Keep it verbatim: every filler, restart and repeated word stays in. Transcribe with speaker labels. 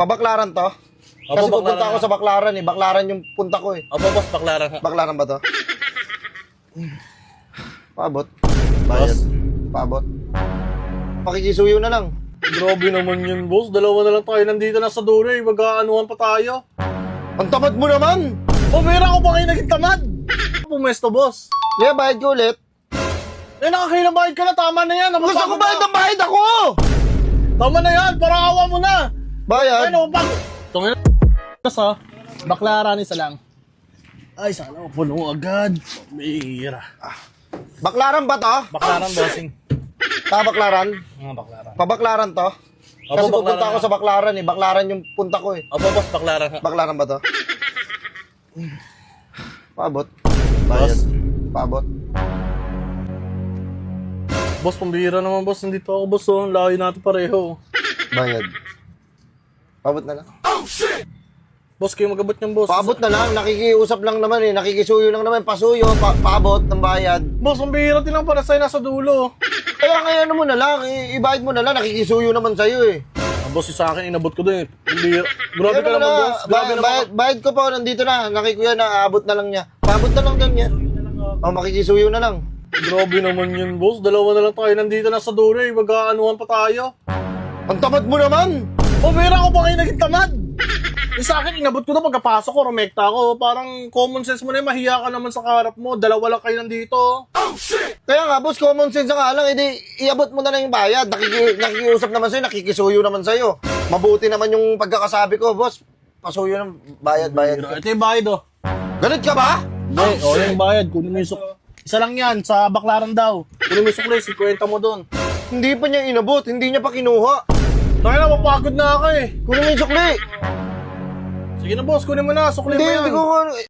Speaker 1: Pabaklaran to?
Speaker 2: Opo,
Speaker 1: Kasi pupunta
Speaker 2: Baklaran
Speaker 1: ako
Speaker 2: nga.
Speaker 1: sa Baklaran eh. Baklaran yung punta ko eh.
Speaker 2: Opo, boss, baklaran nga.
Speaker 1: Baklaran ba to? Paabot. Bayad. Paabot. Pakikisuyo na lang.
Speaker 2: Grabe naman yun, boss. Dalawa na lang tayo nandito na sa dulo eh. Mag-aanuhan pa tayo.
Speaker 1: Ang tamad mo naman!
Speaker 2: O, pera ko pa kayo naging tamad. Pumesto, boss.
Speaker 1: Kaya bayad ko ulit.
Speaker 2: Eh, nakakailang bayad ka na. Tama na yan.
Speaker 1: Gusto ko bayad ng bayad ako!
Speaker 2: Tama na yan. Para awa mo na.
Speaker 1: Bayad?
Speaker 2: Ano, pag... Tungin na sa baklaran isa lang. Ay, sana puno agad. Bira.
Speaker 1: Baklaran ba to?
Speaker 2: Baklaran, bossing.
Speaker 1: Ta Baklaran?
Speaker 2: Mga baklaran.
Speaker 1: Pabaklaran to?
Speaker 2: Opo,
Speaker 1: Kasi pupunta
Speaker 2: Baklaran
Speaker 1: ako
Speaker 2: nga.
Speaker 1: sa Baklaran eh. Baklaran yung punta ko eh.
Speaker 2: Opo, boss, baklaran nga.
Speaker 1: Baklaran ba to? Paabot. Bayad. Paabot.
Speaker 2: Boss, pambira naman, boss. Nandito ako, boss. Oh. Layo natin pareho.
Speaker 1: Bayad. Paabot na lang.
Speaker 2: Boss, kayo magabot niyang, boss.
Speaker 1: Paabot na lang. Nakikiusap lang naman eh. Nakikisuyo lang naman. Pasuyo. Pa paabot ng bayad.
Speaker 2: Boss, pambira tinang para sa'yo nasa dulo.
Speaker 1: Kaya kaya ano mo na lang. I ibayad mo na lang. Nakikisuyo naman sa'yo eh.
Speaker 2: Ah, boss, yung sa akin, inabot ko din. Pambira. Grabe
Speaker 1: Kaya
Speaker 2: ka
Speaker 1: ano
Speaker 2: naman,
Speaker 1: na,
Speaker 2: boss. Grabe
Speaker 1: Bayad,
Speaker 2: naman.
Speaker 1: bayad, bayad ko pa. Nandito na. Nakikuya na. Aabot na lang niya. Paabot na lang lang niya. O makikisuyo na lang.
Speaker 2: Grabe naman yun, boss. Dalawa na lang tayo nandito na sa dulo eh. Mag-aanuhan pa tayo.
Speaker 1: Ang tamad mo naman!
Speaker 2: O, pera ko pa kayo naging tamad. Yung sa akin, inabot ko na pagkapasok ko, rumekta ko. Parang common sense mo na yun, mahiya ka naman sa kaharap mo. Dalawa lang kayo nandito.
Speaker 1: Kaya nga, boss, common sense nga lang. Edi, iabot mo na lang yung bayad. Nakiki nakikiusap naman sa'yo. Nakikisuyo naman sa'yo. Mabuti naman yung pagkakasabi ko, boss. Pasuyo ng bayad, bayad.
Speaker 2: Ito yung bayad, oh.
Speaker 1: Ganit ka ba?
Speaker 2: Hindi, o yung bayad. Kunin mo yung suk... Isa lang yan, sa baklaran daw. Kunin mo yung sukli, sikwenta mo doon.
Speaker 1: Hindi pa niya inabot. Hindi niya pa kinuha.
Speaker 2: Tayo na, mapagod na ako eh.
Speaker 1: Kunin mo yung sukli.
Speaker 2: Sige na, boss, kunin mo na. Sukli
Speaker 1: Hindi,
Speaker 2: mo yan.
Speaker 1: hindi ko ano.